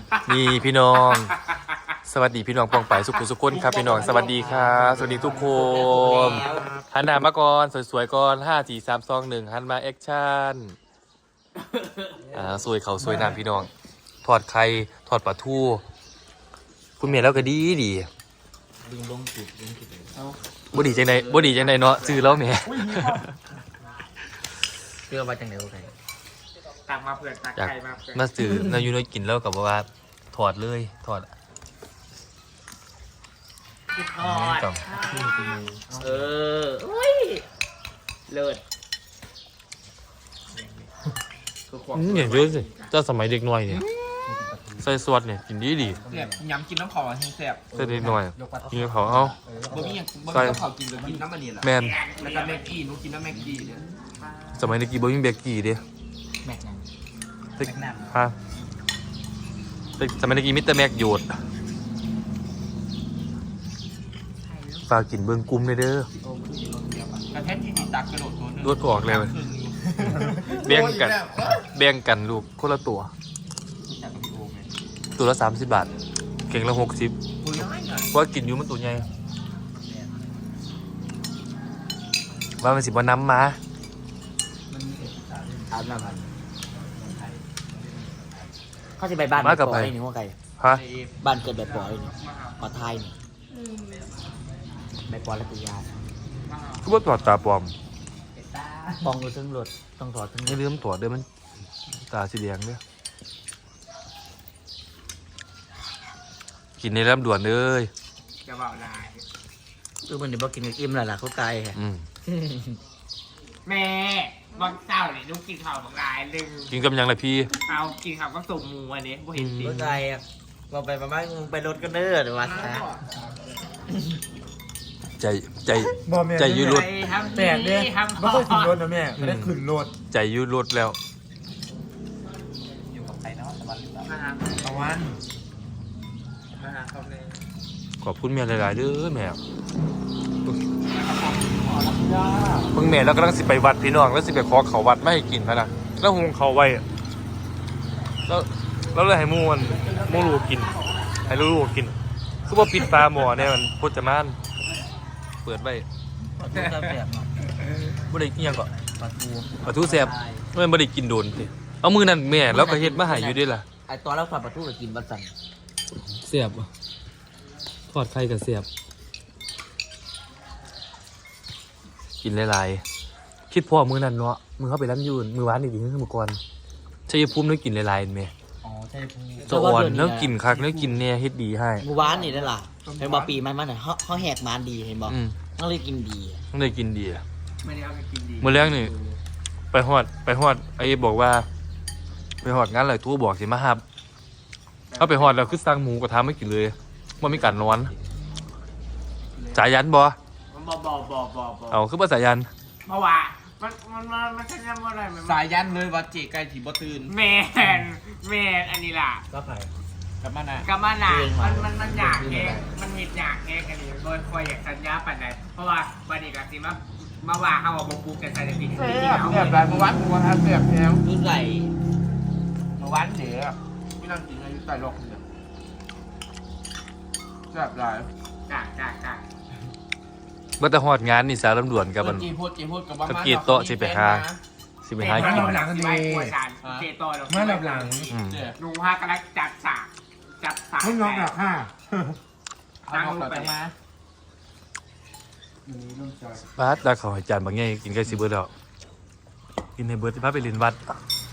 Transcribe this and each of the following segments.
นี่พี่น้องสวัสดีพี่น้องปองไปสุขุสุขคนครับพี่น้องสวัสดีครับสวัสดีทุกคนหันหน้ามาก่อนสวยๆก่อน5 4 3 2 1หันมาแอคชั่นสวยเขาสวยน้ำพี่น้องทอดไข่ทอดปลาทูคุณเมียแล้วก็ดีดึงลงจุดบ่ดีจังไดเนาะซื้อแล้วแหมเชื่อว่าจังไหนโอเคตักมาเผื่อตักไข่มาเผื่อมาซื้อนายูน้อยกินแล้วกับว่าถอดเลยถอดอุ้ยเลิศอย่างเยอะสิเจ้าสมัยเด็กน้อยเนี่ยใส่สวดเนี่ยกินดีแซ่บยำกินน้ำขาวแห้งแซ่บใส่เด็กน้อยกินเขาเอาบ่มีอย่างบ่มีน้ำขาวกินเลยกินน้ำมันนี่แหละแมนแล้วก็แม็กกี้หนูกินน้ำแม็กกี้เนี่ยสมัยเด็กกี่บ่มีเบกกี้เด้แม็กนั่นฮะสมัยเด็กกี่มิสเตอร์แม็กโยดฝากกินเบิ่งกุ้มเลยเด้อกระเทศที่ติดตักกระโดดตัวนึงรวดออกเลยแบ่งกันลูกคนละตัวละ30 บาทเก่งละ60ว่ากินอยู่มันตัวใหญ่ว่ามันสิบ่น้ำมาเขาจะไปบ้านแบบปล่อยนี่ว่าไงฮะบ้านเกิดแบบปล่อยนี่มาไทยนี่แบบปล่อยแล้วตัวยาก็ว่าถอดตาปลอมปองดูซึ่งรถต้องถอดซึ่งไม่ลืมถอดเด้อมันตาสีแดงเด้อกินในลำด่วนเลยจะเบาลายมันเดี๋ยวบอกกินอิ่มแล้วล่ะเขาไกลแม่บางเจ้าเนี่ยลูกกินข้าวบางรายลึงกินกับยังไงพี่เอากินข้าวก็ส่งหมูอันนี้บ่เห็นดิเขาไกลอ่ะเราไปประมาณไปรถกันเด้อเดี๋ยววัดนะใจยืดรถแตกเนี่ยไม่ค่อยขึ้นรถนะแม่ไม่ได้ขึ้นรถใจยืดรถแล้วอยู่กับใครเนาะตะวันมาหาเขาเลยขอบคุณแม่หลายๆเด้อแม่เพิ่งแม่แล้วก็ต้องสิไปวัดพี่น้องแล้วสิไปขอเขาวัดไม่ให้กินนะแล้วหุงเขาไว้แล้วเลยให้มูรูกินให้ลูกกินคือว่าปิดฟ้าหม้อเนี่ยมันพจมานเปิดไว้ปลาทูแซ่บเนาะบ่ได้กินยังก่อนปลาทูแซ่บมันบ่ได้กินโดนสิเอามือนั่นแม่แล้วก็เฮ็ดมาให้อยู่ด้วยล่ะไอตอนเราทอดปลาทูก็กินบัดสั่นแซ่บทอดไข่ก็แซ่บกินหลายๆคิดพ่อมือนั่นเนาะมือเขาไปร้านยืนมือหวานอีกทีนึงมือก่อนชัยภูมินึกกินหลายๆแม่ใช่ภูมิจะอ่อนแล้วกินคักแล้วกินเนี่ยเฮ็ดดีให้มือหวานนี่นั่นล่ะเห็นบ่ปีมันน่ะเขาแหกมันดีเห็นบ่ต้องเลยกินดีต้องเลยกินดีไม่ได้เอาไปกินดีมื้อแรกนี่ไปฮอดไอ้บอกว่าไปฮอดงานอะไรทั่วบอกสิมาครับเขาไปฮอดแล้วคือสั่งหมูกระทะไม่กินเลยว่ามีการนอนสายันบ่เอาคือบ่สายันเพราะว่ามันจะยังอะไรสายยันเลยว่าเจ๊ไก่ถีบตื่นแมนอันนี้ล่ะก็ไปกับมานามันอยากแห้งมันมีอยากแห้งอันนี้โดยคอยอยากสัญญาปันใดเพราะว่าวันนี้กับสิมาว่าเขาเอาบุกกันใส่ในปีนี้แบบไรเมื่อวันเสียบแนวรุ่นไหลเมื่อวันเดี๋ยวพี่นั่งกินอายุใต้หลอกเนี่ยแบบไรจ้าบ่แต่ฮอดงานนี่สารลำดวนกับมันกับกีโตสิไปหากินมาหลังดีเจโต้มาหลังลุงฮากำลังจัดสากไม่ลองหลักค่ะนั่งลงไปมาบาสดาเขาให้จานบางแง่กินใกล้สิเบิร์ดแล้วกินในเบิร์ดพาไปเรียนวัด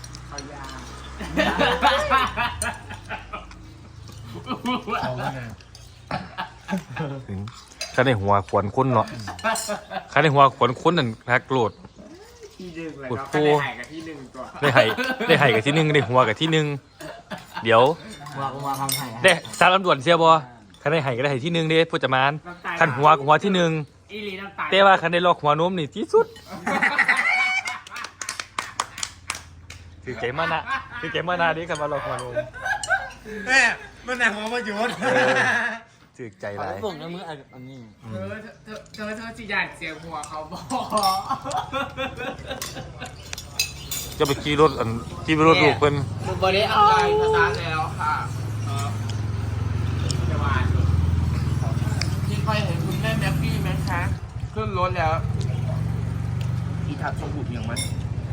ข้าในหัวขวนค้นเนาะข้าในหัวขวนค้นนั่นฮักโกรธปวดโค้ได้ไห่กับที่หนึ่งได้หัวกับที่หนึ่งเดี๋ยวได้สารลำดวนเสียบ่ข้าในไห่ก็ได้ไห่ที่หนึ่งเด้พูดจะมานขันหัวกับหัวที่หนึ่งแต่ว่าขันได้ลอกหัวโน้มนี่ที่สุดถือใจมานะดิขันมาลอกหัวโน้มแม่มันแหนหัวมาหยุดถือใจไรบ่งในมืออันนี้เธอสิอยากเสียหัวเขาบอกจะไปขี่รถลูกเพิ่นบริอันใหญ่ภาษาแล้วค่ะรถแล้วอีทับชมบุบยังมัน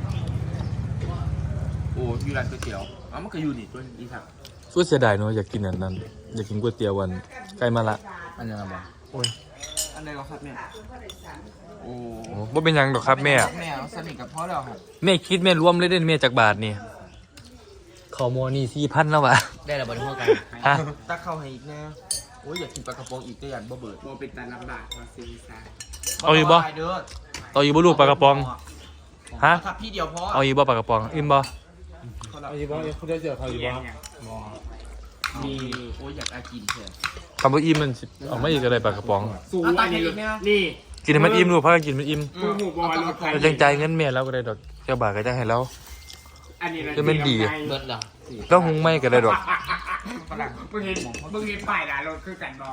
โอ้อยู่ร้านก๋วยเตี๋ยวอ๋อมันก็อยู่นี่ตัวอีทับสู้เสียดายเนาะอยากกินอันนั้นอยากกินก๋วยเตี๋ยววันใกล้มาละอันนี้อะไรบ้างโอ้ยอันไหนก็ครับเนี่ยโอ้โอ้บ่เป็นหยังดอกครับแม่แม่สนิทกับพ่อแล้วครับแม่คิดแม่รวมเลยเด่นแม่จากบาทนี่เขาโมนี่4,000แล้ววะได้แล้วบริโภคกันฮะตักเข้าให้อีกแน่โอ้ยอยากกินปลากระป๋องอีกก็ยันบ่เบิดโมเป็นตาลำบากมาซีซ่าเอาอยู่บ่เด้อเอาอยู่บ่ลูกปลากระป๋องฮะครับพี่เดียวพอเอาอยู่บ่ปลากระป๋องอิ่มบ่เอาอยู่บ่เขาได้เจอเขาอยู่บ่มีโอ้ยอยากอากินเถอะคำว่าอิ่มมันสิเอาไม่อีกอะไรปลากระป๋องสูงอันนี้นี่กินให้มันอิ่มลูกพากันกินมันอิ่มผู้หูบอลรถไฟเราจังใจายเงินแม่แล้วก็ได้ดอกเจ้าบาทก็จังให้แล้วอันนี้จะเป็นดีเบิดเหรอแล้วหุงไม่ก็ได้ดอกมึงเห็นป้ายด่ารถคือกันบอ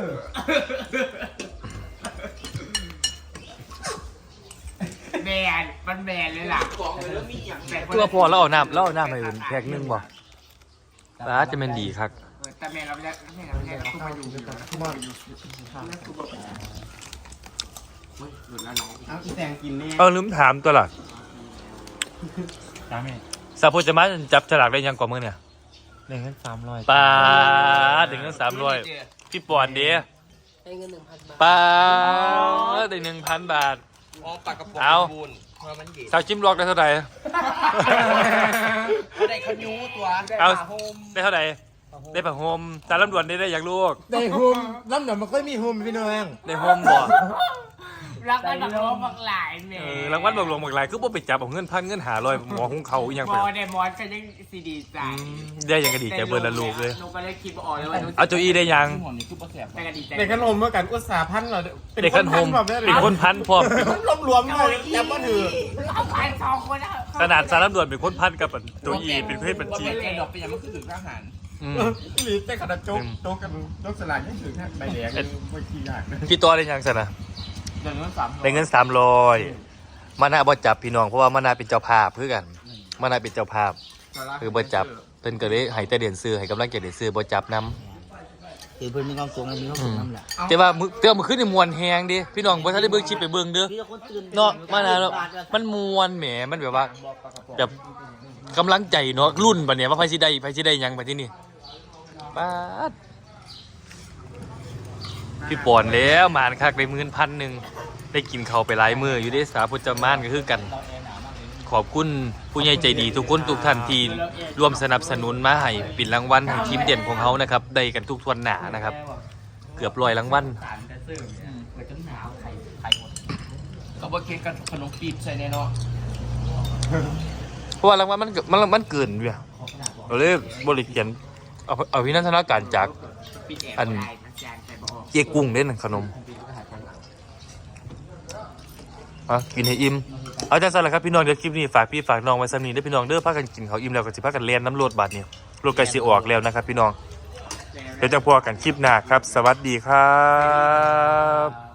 แบนมันแบนเลยล่ะตัวพอแล้วเอาน้ำให้เป็นแพ็คนึงบ่ป้าจะเป็นดีครับแต่แม่เราไม่ได้เราเข้ามาอยู่ด้วยกันเข้ามาอยู่หลุดแล้วน้องเอาอีแตงกินนี่เอาลืมถามตัวล่ะจ้าแม่สาพุจะมาจับฉลากได้ยังกว่ามือเนี่ยได้เงิน300 ป้าได้เงิน300พี่ปอนเด้ได้เงิน 1,000 บาทป้าได้1,000 บาทอ๋อปลากระป๋องเอาบูนเพราะมันเย็นสาวจิ้มลอกได้เท่าไหร่เขาได้ขยูตัวเอาโฮมได้เท่าไหร่ได้ผ้าห่มสารลำดวนได้อยากลูกได้โฮมลำเดี๋ยวมันก็มีโฮมพี่น้องได้ห่มบ่รักกันแบบว่าบักหลายแม่รางวัลบอกหลวงบอกหลายคือบ่ไปจับเอาเงินพันเงิน500หมอของเขาอีหยังบไปอเดมอนก็ยังซีดีใจได้ยังกระดีใจเบิร์ละลูกเลยลูกก็เลยคิดว่าอ๋อแล้วว่าเอาโจอี้ได้ยังหมอนนี่คือปลาแสบแต่ก็ดีใจเด็กขนมเมื่อกันอุตสาห์พันเราเด็กขันโฮมเป็นคนพันพร้อมรวมๆเลยแล้วก็ถือเอาไป2 คนนะขนาดสารลำดวนเป็นคนพันกับโจอี้เป็นเพศบัญชีไอ้ดอกเป็นยังมันคือถึงทหารหรือแต่ขนาดโจ๊กกันโจ๊กสลากยังถือแค่ใบแดงไม่ขี้ยากนะพี่ตัวได้ยังสนะเดือนเงิน300 ได้เงิน300มานาบ่จับพี่น้องเพราะว่ามานาเป็นเจ้าภาพเพื่อกันมานาเป็นเจ้าภาพคือบ่จับเพิ่นก็เลยให้แต่เดือนซื้อให้กำลังใจเดือนซื้อบ่จับนำคือเพิ่นมีความสูงและมีความสูงน้ำแหละแต่ว่ามื้อเตื้อมื้อคืนนี่มวนแฮงดิพี่น้องบ่ทันได้เบิ่งคลิปไปเบิ่งเด้อพี่คนตื่นเนาะมานาเนาะมันมวนแหมมันแบบว่าแบบกำลังใจเนาะรุ่นบัดเนี้ยว่าไผสิได้หยังบัดที่นี่ป๊าดพี่ปอนแล้วหมานคักได้10,000ได้กินข้าวไปหลายมื้ออยู่เด้สาพุทธมานก็คือกัน ขอบคุณผู้ใหญ่ใจดีทุกคนทุกท่านที่ร่วมสนับสนุนมาให้ปิดรางวัลให้ทีมเด่นของเขานะครับได้กันทุกทวนหนานะครับ เกือบ100รางวัลเปิดจนหนาวไข่หมดก็บ่เค้กกับขนมปี๊บใส่แน่เนาะเพราะว่ารางวัลมันเกินเว้ยเราเลยบริเขียนเอาพินันทนาการจาก อัน เจ๊กุ้งเด่นขนมกินให้อิ่มเอาจังซั่นล่ะครับพี่น้องเดี๋ยวคลิปนี้ฝากพี่ฝากน้องไว้ซ้ำนี้เด้อพี่น้องเด้อพากันกินข้าวอิ่มแล้วก็สิพากันเล่นน้ำรถบัดนี้รถไก่สิออกแล้วนะครับพี่น้องเดี๋ยวจะพอกันคลิปหน้าครับ สวัสดีครับ